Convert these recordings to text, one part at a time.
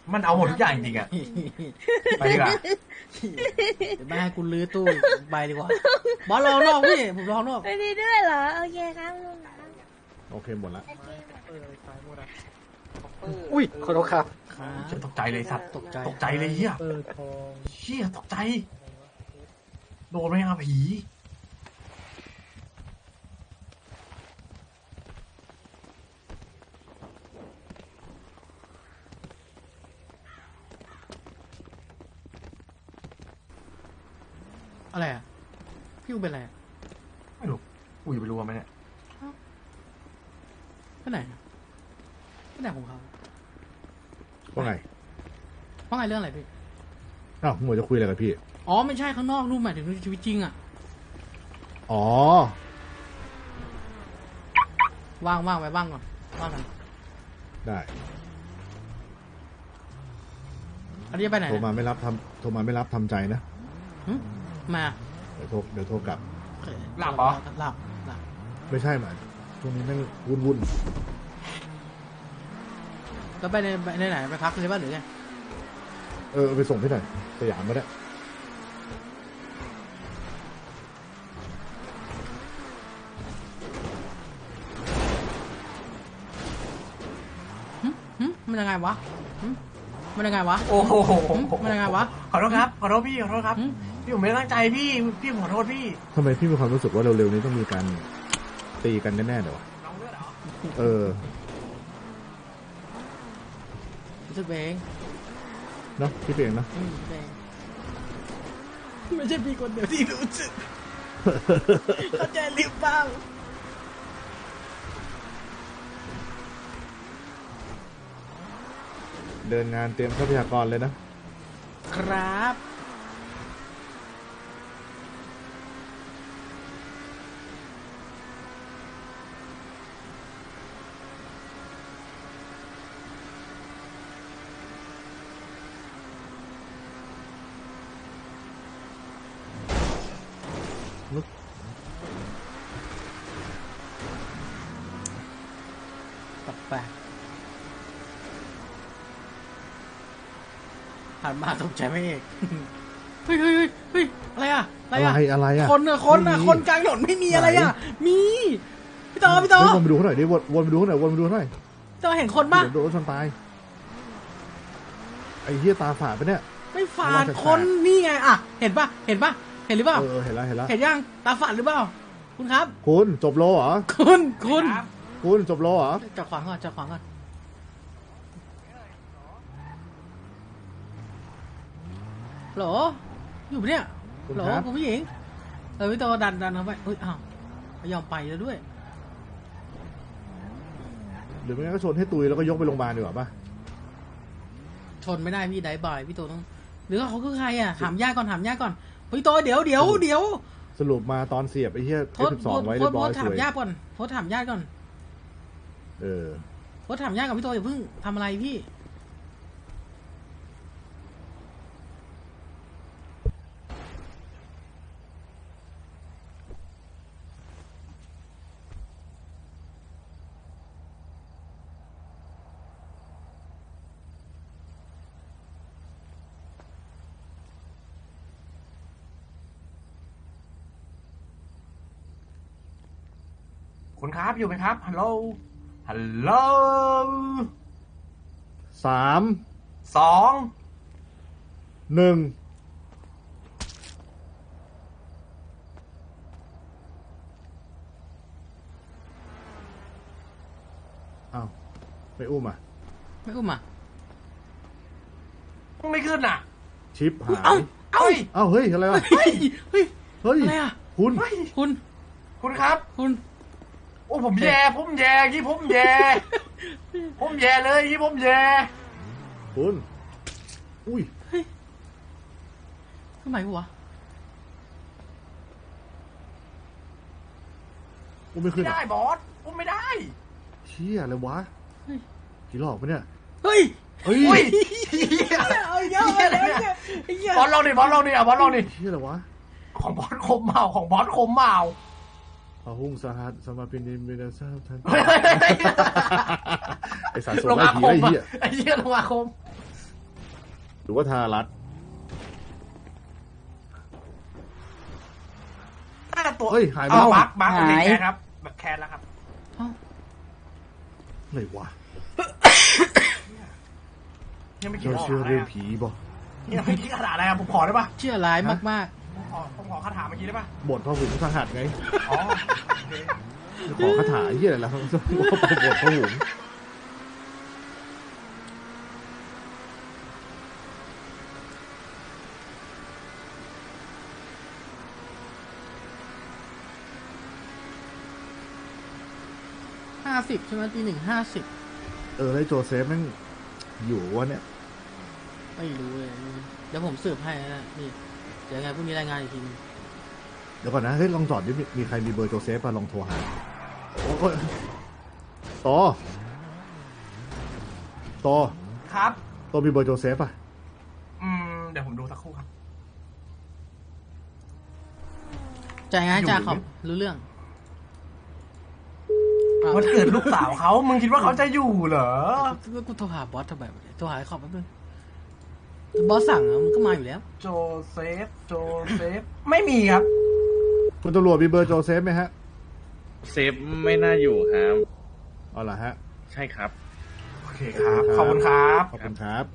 มันเอาหมดทุกอย่างจริงอะไปดีกว่าเดี๋ยวแม่ให้กูลื้อตู้ใบดีกว่าบอสรอนอกพี่ผมรอนอกไปดีด้วยเหรอโอเคครับลุงโอเคหมดละอุ้ยขอโทษครับฉันตกใจเลยสัตว์ตกใจเลยเฮียเฮียตกใจโดนไม่อาผีอะไรอ่ะพี่อูเป็นอะไรไม่รู้กูจะไปรู้ไหมเนี่ยไปไหนไปไหนของเขาว่าไงเรื่องอะไรพี่อ้าวหมวยจะคุยอะไรกับพี่อ๋อไม่ใช่ข้างนอกนู่นหมายถึงชีวิตจริงอ่ะอ๋อว่างไปว่างก่อนว่างกันได้อันนี้ไปไหนโทรมาไม่รับทำใจนะมาเดี๋ยวโทรกลับหลับเหรอหลับไม่ใช่หมายช่วงนี้แม่งวุ่นแล้วไปไหนไปพักเลยบ้านหรือไงไปส่งที่ไหนสยามก็ได้มันยังไงวะโอ้โหมันยังไงวะขอโทษครับพี่ผมไม่ได้ตั้งใจพี่ขอโทษพี่ทำไมพี่มีความรู้สึกว่าเร็วๆนี้ต้องมีการตีกันแน่ๆเลยวะรู้สึกเองเนาะพี่เองนะไม่ใช่พี่คนเดียวที่รู้สึกเข้าใจหรือเปล่าเดินงานเตรียมทรัพยากรเลยนะครับแปลกหันมาตกใจไม่เอกเฮ้ยอะไรอ่ะคนกลางถนนไม่มีอะไรอ่ะมีพี่ต่อวนไปดูเขาหน่อยดิวนไปดูเขาหน่อยต่อเห็นคนป่ะโดนชนตายไอ้เหี้ยตาฝาดปะเนี่ยไม่ฝาดคนนี่ไงอ่ะเห็นหรือเปล่าเห็นแล้วเห็นแล้วเห็นยังตาฝาดหรือเปล่าคุณครับคุณจบโลเหรอคุณจบโลเหรอจับขวางก่อนหรออยู่ปะเนี่ยหรอคุณผู้หญิงพี่โตดันเข้าไปเฮ้ยอ้าวไม่ยอมไปแล้วด้วยหรือไม่งั้นก็ชนให้ตุยแล้วก็ยกไปโรงพยาบาลดีกว่าป่ะชนไม่ได้พี่ได้บ่อยพี่โตต้องหรือเขาคือใครอ่ะถามญาติก่อนพี่โตเดี๋ยวสรุปมาตอนเสียบไอ้เหี้ย12ไว้เรียบร้อยถามญาติก่อนโพสถามญาติก่อนโพสถามญาติกับพี่โตอย่าเพิ่งทำอะไรพี่คุณครับอยู่ไหมครับฮัลโหล 3 2 1อ้าวไม่อุ้มไม่ขึ้นอ่ะชิปหายเฮ้ยอะไรวะเฮ้ยอะไรอ่ะคุณครับโอ้ผมแย่เลยยี่ผมแย่คุณอุ้ยทำไมวะไม่ได้บอสไม่ได้เชี่ยอะไรวะผีหลอกปะเนี่ยเฮ้ยบอสลองดิเชี่ยอะไรวะของบอสคมเมาพหุงสหัสสมาปินิมินาซาทันไอสารสดไอ้เหี้ยลงอาคมหรือว่าธารัตน์น่าจะตัวเฮ้ยหายไปบักเป็นแคนครับแบบแคนแล้วครับอะไรวะยังไม่คิดเจ้าออกเชื่ออะไรเรื่องอะผีบ่ยังไม่คิดคาถาอะไรครับผมขอได้ปะเชื่อร้ายมากผมขอคาถาเมื่อกี้ได้ปะบทพระหุงสหัสไงอ๋อโอเคขอคาถาเหี้ยอะไรล่ะบทพระหุง 50ใช่ไหมตี 1:50 แล้วไอ้โจเซฟแม่งอยู่วะเนี่ยไม่รู้เลยเดี๋ยวผมสืบให้นะนี่เดี๋ยวไงพรุ่งนี้รายงานอีกทีนึงเดี๋ยวก่อนนะเฮ้ยลองจอดดิมีใครมีเบอร์โจเซฟป่ะลองโทรหาโอ้ยต่อครับต่อมีเบอร์โจเซฟป่ะเดี๋ยวผมดูสักครู่ครับจ่ายงานจ่าขอบรู้เรื่องวันเกิดลูกสาวเขามึงคิดว่าเขาจะอยู่เหรอกูโทรหาบอสทำไมวะโทรหาไอ้ขอบแป๊บนึงบอสสั่งอะมันก็มาอยู่แล้วโจเซฟไม่มีครับคุณตำรวจมีเบอร์โจเซฟไหมฮะเซฟไม่น่าอยู่ครับเอาล่ะฮะใช่ครับโอเคครับขอบคุณครับขอบคุณครับ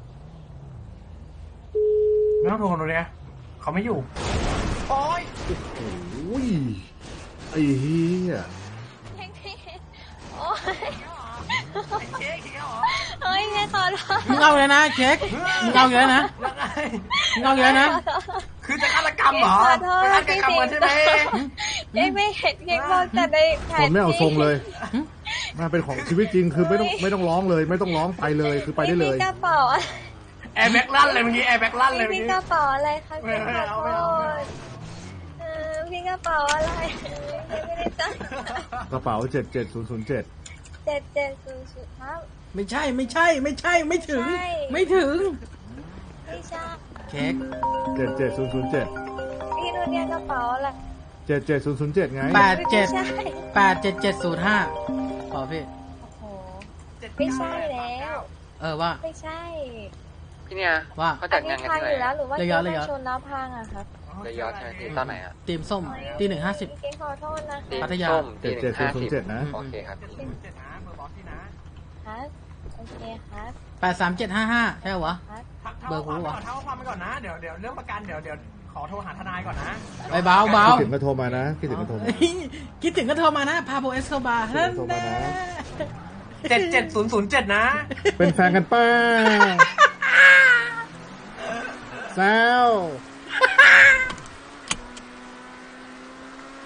ไม่ต้องโทรคนนี้เขาไม่อยู่โอ้ยโอ้ยไอ้เหี้ยโอ้ยเค้กเหรอเฮ้ยไงขอโทษมึงเอาเลยนะเค้กมึงเอาอยู่แล้วนะยังไงมึงเอาอยู่แล้วนะคือจะฆาตกรรมเหรอขอโทษเป็นฆาตกรรมกันใช่ไหมเค้กไม่เห็นเค้กบอกแต่ในแผคน นไม่เอาทรงเลยมาเป็นของชีวิตจริงคือไม่ต้องร้องเลย ไม่ต้องร้องไปเลยคือไปได้เลยมีกระเป๋าแอร์แบ็กลั่นเลยเมื่อกี้แอร์แบ็กลั่นเลยเมื่มีอกี้กระเป๋าอะไรคะเค้กขอโทไม่เอาษพี่กระเป๋าอะไรไม่ได้ตั้งกระเป๋า77007 770ครับไม่ใช่ไม่ถึงใช่ไม่ถึงพี่ชาเค้ก 77007 พี่ดูเนี่ยกระเป๋าอะไร 77007ไง 8775ขอพี่โอ้โหไม่ใช่แล้วว่าไม่ใช่พี่เนี่ยว่าเขาจัดงานกันพังที่อไหนยู่แล้วหรือว่าระเกยะมระยะชนแล้วพังอะครับระยอดใช่ไหมที่ตอนไหนอ่ะตีมส้มตี 1:50 เกมขอโทษนะคะพัทยาส้มตี 77007 1:50 นะโอเคครับ 7นะเบอร์บอสพี่นะครับโอเคครับ 83755ใช่เหรอวะครับเบอร์กูวะเท่าความไปก่อนนะเดี๋ยวเรื่องประกันเดี๋ยวขอโทรหาทนายก่อนนะไปเบาคิดถึงก็โทรมานะคิดถึงก็โทรมาคิดถึงก็โทรมานะพาโบเอสโคบาคิดถึงก็โทรมานะ 77007นะเป็นแฟนกันป้าแซว